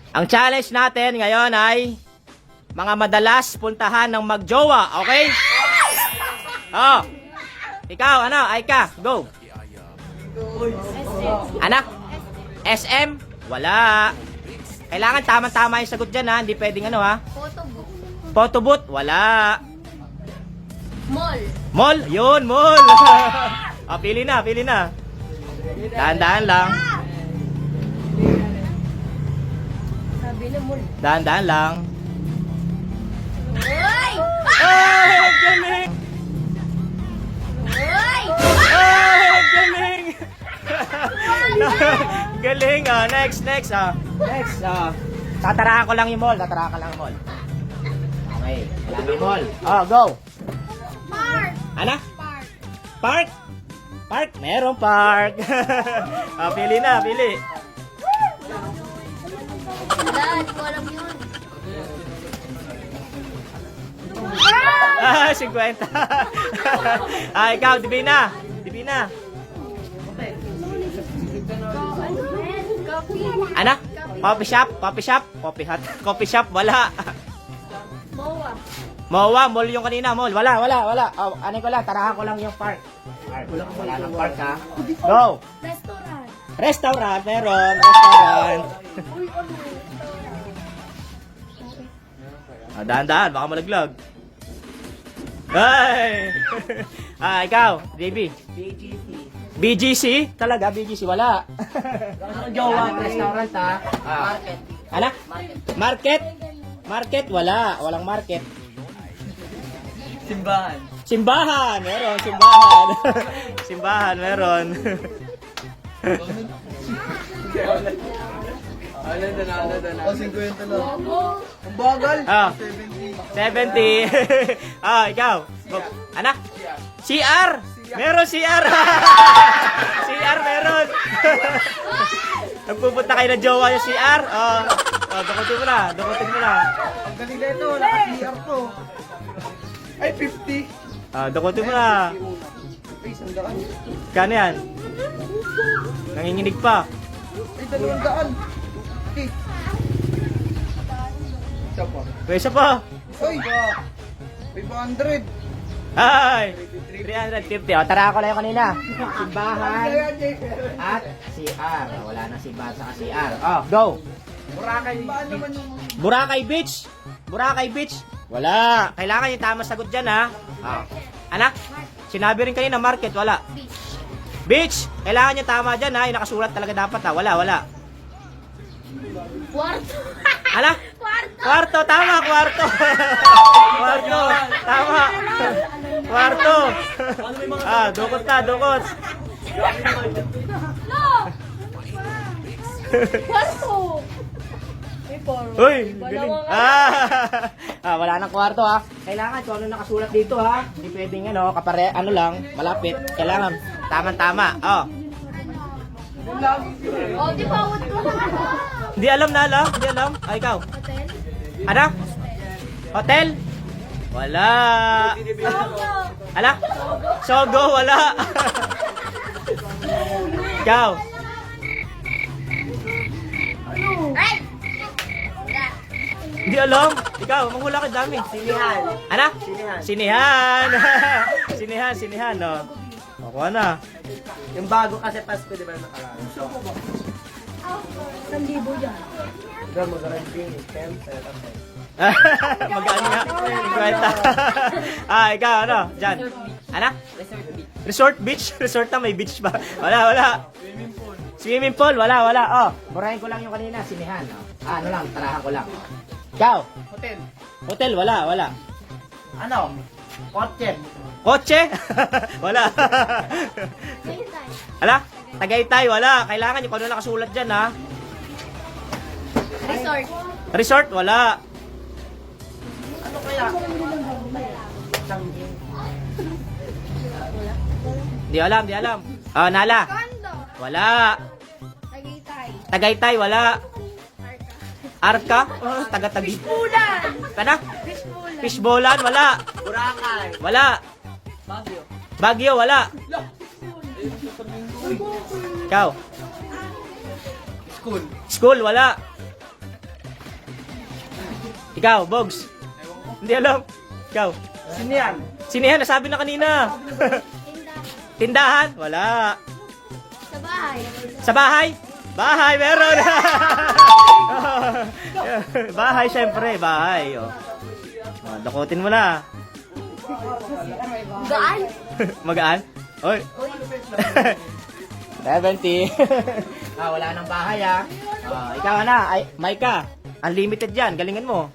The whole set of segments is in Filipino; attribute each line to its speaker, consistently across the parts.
Speaker 1: Ang challenge natin ngayon ay mga madalas puntahan ng magjowa, okay? Oh. Ikaw, ano? Aika, go. Anak? SM? Wala. Kailangan tama-tama yung sagot dyan, ha? Hindi pwedeng ano, ha?
Speaker 2: Photobook.
Speaker 1: Photobooth? Wala.
Speaker 2: Mall.
Speaker 1: Mall? Yun, mall. Pili na, pili na. Dahan-dahan lang.
Speaker 2: Sabi na mall.
Speaker 1: Dahan-dahan lang.
Speaker 2: Uy!
Speaker 1: Oh, galing!
Speaker 2: Uy!
Speaker 1: Oh, galing! Galing, next. Next, tatarahan ko lang yung mall, Okay, wala na mall. Go!
Speaker 2: Park.
Speaker 1: Ano?
Speaker 2: Park.
Speaker 1: Park? Park? Meron park. Pili na, pili.
Speaker 2: Wala, hindi ko alam yun.
Speaker 1: 50. Ikaw, Divina.
Speaker 2: Coffee.
Speaker 1: Ano? Coffee shop? Coffee hut? Coffee shop? Wala.
Speaker 2: Mowa.
Speaker 1: Mowa, mall yung kanina, mall. Wala. Ano ko lang, tarahan ko lang yung park. Wala ng park, ha? Go!
Speaker 2: Restaurant.
Speaker 1: Restaurant, meron. Restaurant.
Speaker 2: Uy, ano?
Speaker 1: Dahan-dahan, baka malaglag. Ay! Ikaw, JB. BGC? Talaga, BGC, wala.
Speaker 3: Jowa, restaurant ha.
Speaker 1: Market. Ano? Market? Market, wala. Walang market.
Speaker 3: Simbahan.
Speaker 1: Simbahan, meron, simbahan. Simbahan, meron.
Speaker 3: Ano na. O, 50 lang.
Speaker 2: Logo.
Speaker 3: Ang bagal.
Speaker 1: 70. Ikaw. Anak? CR. Meron CR. CR meron. Nagpupunta kayo ng jowa yung CR. Dukutin mo na.
Speaker 3: Ang galing na ito. Naka-CR to. Ay, 50.
Speaker 1: Dukutin mo na.
Speaker 3: Ay, 100.
Speaker 1: Kano yan? Nanginginig pa.
Speaker 3: Ay, 200. Okay. Isa pa.
Speaker 1: Pwesa pa.
Speaker 3: Ay, 500.
Speaker 1: Ay! 350. Tara ako lang yung kanina. Simbahan at CR. Wala na simbahan sa CR. Go! Boracay Beach. Boracay Beach. Wala. Kailangan yung tama sagot dyan, ha? Anak? Sinabi rin kanina market. Wala. Beach. Kailangan yung tama dyan, ha? Yung nakasulat talaga dapat, ha? Wala.
Speaker 2: Kwarto.
Speaker 1: Ala?
Speaker 2: Kwarto.
Speaker 1: Kwarto. Tama, kwarto. Kwarto. Tama. Kwarto. Dukot na, dukot.
Speaker 2: No! Kwarto.
Speaker 1: Uy, galing. Wala nang kwarto, ha. Kailangan kung ano nakasulat dito, ha. Hindi pwedeng kapare, lang, malapit. Kailangan tama-tama.
Speaker 2: Oh, di bawat ko na.
Speaker 1: Hindi alam. Ikaw.
Speaker 2: Hotel.
Speaker 1: Ano? Hotel? Wala.
Speaker 2: Sogo.
Speaker 1: Ala? Sogo, wala. Ikaw.
Speaker 2: Ay!
Speaker 1: Hindi alam. Ikaw, manghula ka dami.
Speaker 3: Sinihan.
Speaker 1: Ano? Sinihan. Sinihan, no? Ako na.
Speaker 3: Yung bago kasi Pasko, di ba nakalala?
Speaker 2: 1,000 yan.
Speaker 3: Diba, mag-ranking. 10,
Speaker 1: Magaan nga. 50. Ikaw, ano? Diyan. Ano? Resort beach? Resort na may beach ba? Wala. Swimming pool? Wala. Burahin ko lang yung kanina. Sinihan. Tarahan ko lang. Ikaw? Hotel? Wala.
Speaker 3: Ano? Kotse.
Speaker 1: Kotse? Wala. Ala? Tagaytay? Wala. Kailangan yung kung ano nakasulat dyan, ha?
Speaker 2: Resort.
Speaker 1: Resort? Wala.
Speaker 3: Ano kaya?
Speaker 1: Di alam. Nala?
Speaker 2: Condo.
Speaker 1: Wala.
Speaker 2: Tagaytay.
Speaker 1: Tagaytay? Wala. Arka? Taga-tagi.
Speaker 2: Ulan.
Speaker 1: Kana?
Speaker 2: Fishbowl.
Speaker 1: Fishbowlan? Wala.
Speaker 3: Boracay.
Speaker 1: Wala. Baguio? Wala. Ikaw?
Speaker 3: School.
Speaker 1: School? Wala. Ikaw, Bogs. Hindi alam. Ikaw.
Speaker 3: Sino yan?
Speaker 1: Sino yan? Nasabi na kanina.
Speaker 2: Tindahan.
Speaker 1: Tindahan? Wala.
Speaker 2: Sa bahay.
Speaker 1: Sa bahay? Bahay, meron. Bahay, syempre. Bahay. Oh. Dakutin mo na.
Speaker 2: Gaan.
Speaker 1: Magaan? Oy. 70. Wala nang bahay ikaw na, ay, Maika. Unlimited yan, galingan mo.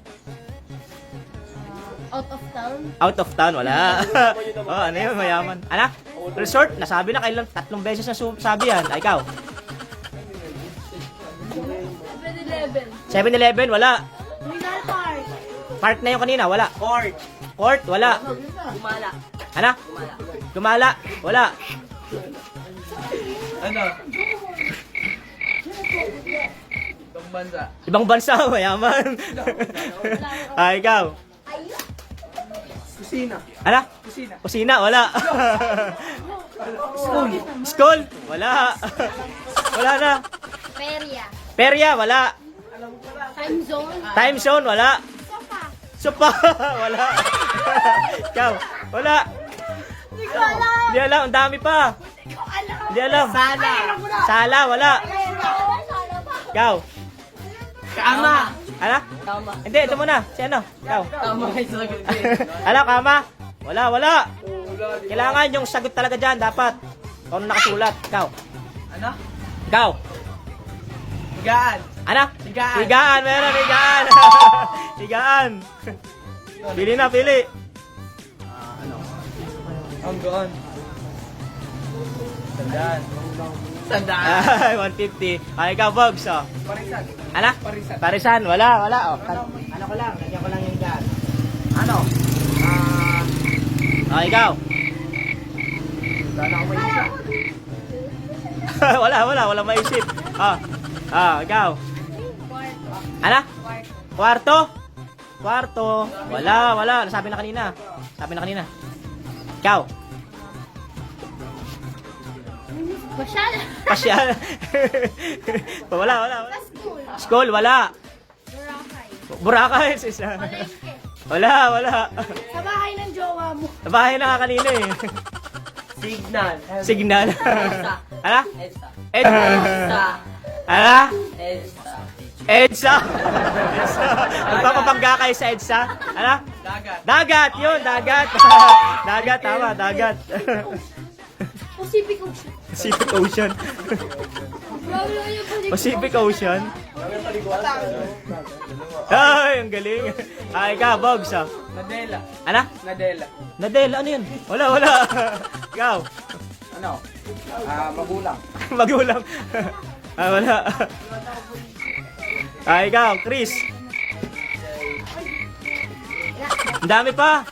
Speaker 2: Out of town.
Speaker 1: Out of town, wala. Ano yun, mayaman. Anak, resort, nasabi na kailan, 3 beses na sabi yan. Ikaw.
Speaker 2: 7-Eleven.
Speaker 1: 7-Eleven, wala.
Speaker 2: Mineral Park.
Speaker 1: Park na yung kanina, wala.
Speaker 3: Court.
Speaker 1: Court, wala.
Speaker 2: Gumala.
Speaker 1: Ano? Gumala, wala.
Speaker 3: Ano? Itong bansa.
Speaker 1: Ibang bansa, mayaman. Ikaw.
Speaker 3: Kusina.
Speaker 1: Ano?
Speaker 3: Kusina.
Speaker 1: Kusina, wala.
Speaker 3: School.
Speaker 1: School, wala. Wala na.
Speaker 2: Feria.
Speaker 1: Perya, wala.
Speaker 2: Time zone.
Speaker 1: Time zone, wala.
Speaker 2: Sofa.
Speaker 1: Sopa, wala. Ikaw, wala.
Speaker 2: Hindi ko alam.
Speaker 1: Hindi alam, ang dami pa.
Speaker 2: Hindi ko alam.
Speaker 1: Hindi alam.
Speaker 3: Sala.
Speaker 1: Sala, wala.
Speaker 2: Sala pa.
Speaker 1: Ikaw.
Speaker 3: Kama.
Speaker 1: Ano?
Speaker 3: Kama.
Speaker 1: Hindi, ito muna. Si ano? Ikaw.
Speaker 3: Kama kayo sa sagot din.
Speaker 1: Ano, kama? Wala, wala. Kailangan yung sagot talaga dyan, dapat. Kung ano nakasulat. Ikaw.
Speaker 3: Ano?
Speaker 1: Ikaw.
Speaker 3: Higaan.
Speaker 1: Ano?
Speaker 3: Higaan.
Speaker 1: Higaan, meron, higaan. Higaan. Pili na, pili.
Speaker 3: Ang gaan. Sandaan. Sandaan.
Speaker 1: Ay, 150. Ay, ikaw, Bogs, oh.
Speaker 3: Parisan.
Speaker 1: Ano?
Speaker 3: Parisan.
Speaker 1: Parisan, wala, wala. Oh. Ano ko lang, lagyan ko lang yung higaan. Ano? Ikaw.
Speaker 3: Sana ako may isa.
Speaker 1: wala maisip. Ikaw. Ano? Kwarto? Kwarto. Wala. Nasabi na kanina. Ikaw.
Speaker 2: Pasyal.
Speaker 1: Pasyal. wala.
Speaker 2: School.
Speaker 1: School, wala.
Speaker 2: Boracay.
Speaker 1: Boracay, isa.
Speaker 2: Palengke.
Speaker 1: Wala.
Speaker 2: Sa bahay ng jowa mo.
Speaker 1: Bahay na nga kanina eh.
Speaker 3: Signal.
Speaker 1: Signal. Ano?
Speaker 3: Edsa.
Speaker 1: Edsa. Ano?
Speaker 3: Edsa.
Speaker 1: EDSA. Magpapabangga kayo sa EDSA. Ano?
Speaker 3: Dagat.
Speaker 1: Dagat, yun, dagat. Dagat, tama, dagat.
Speaker 2: Pacific Ocean.
Speaker 1: Pacific Ocean. Pacific Ocean. Ay, ang galing. Ikaw, Bogs,
Speaker 3: Nadela.
Speaker 1: Ano?
Speaker 3: Nadela.
Speaker 1: Nadel, ano yun? Wala. Ikaw.
Speaker 3: Ano? Magulang.
Speaker 1: Magulang. Wala. Ikaw, Chris. Ang dami pa.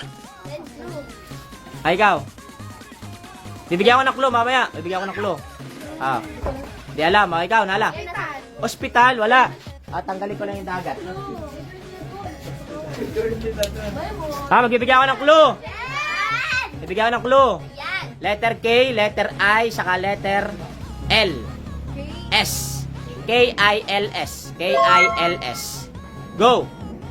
Speaker 1: Ikaw. Bibigyan ko ng clue mamaya. Di alam. Ikaw, Nala. Hospital, wala. Tanggalin ko lang yung dagat. Magbibigyan ko ng clue. Bibigyan ko ng clue. Letter K, letter I, saka letter L. S. K-I-L-S. K-I-L-S. Go!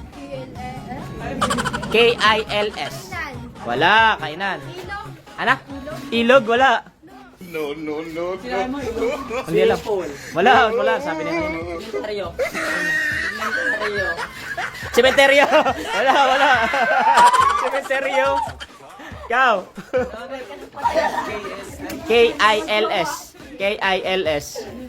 Speaker 1: K-I-L-S. Wala, kainan. Ano? Ilog, wala.
Speaker 3: No.
Speaker 1: Hindi alam. Wala, sabi niya.
Speaker 3: Inventaryo.
Speaker 1: Cementerio. Wala. Cementerio. Ikaw. K-I-L-S. K-I-L-S.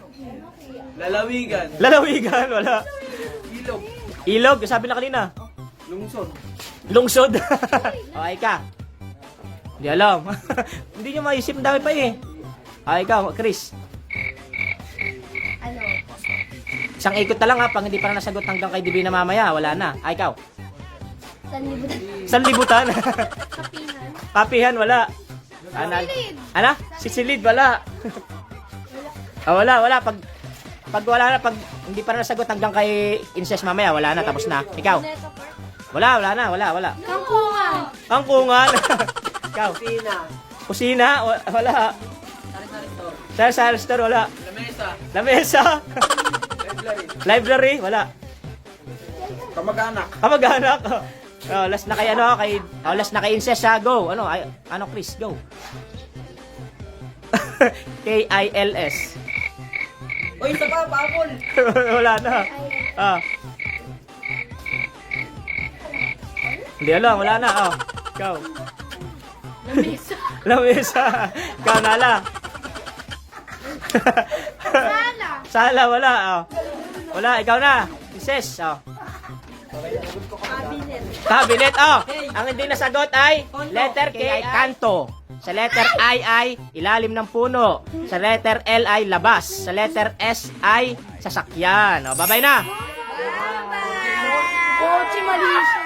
Speaker 1: Lalawigan, wala. Ilog, sabi na kanina. Lungsod. Okay ka. Hindi alam. Hindi nyo maisip, ang dami pa eh. Ikaw, Chris.
Speaker 2: Ano?
Speaker 1: Isang ikot na lang pang hindi pa na nasagot hanggang kay Divina mamaya, wala na. Ikaw.
Speaker 2: Sanlibutan.
Speaker 1: Sanlibutan.
Speaker 2: Kapihan.
Speaker 1: Kapihan, wala.
Speaker 2: Sisilid.
Speaker 1: Ano? Sisilid, wala. Wala. Pag wala na, pag hindi pa na nasagot hanggang kay Incest mamaya, wala na, tapos na. Ikaw. Wala na.
Speaker 2: Kangkungan.
Speaker 1: Kangkungan. Ikaw. Kusina, wala. Sa store, wala. Lamesa. Library, wala.
Speaker 3: Kamag-anak.
Speaker 1: Kamag-anak. Oh, last na kay ano, last na kay Incest ha, go. Ano Chris, go. K-I-L-S.
Speaker 3: Uy, isa pa, paapol.
Speaker 1: Wala na. Ah. Hindi alam, wala na. Oh. Go.
Speaker 2: Lamesa.
Speaker 1: Lamesa. Ikaw nala.
Speaker 2: Sala.
Speaker 1: Sala, wala. Oh. Wala, ikaw na. Incest. Oh.
Speaker 2: Cabinet.
Speaker 1: Cabinet, oh. Ang hindi nasagot ay letter K ay kanto. Sa letter I ay ilalim ng puno. Sa letter L ay labas. Sa letter S ay sasakyan. Oh, bye-bye na.
Speaker 2: Bye-bye. Kotse, mali siya.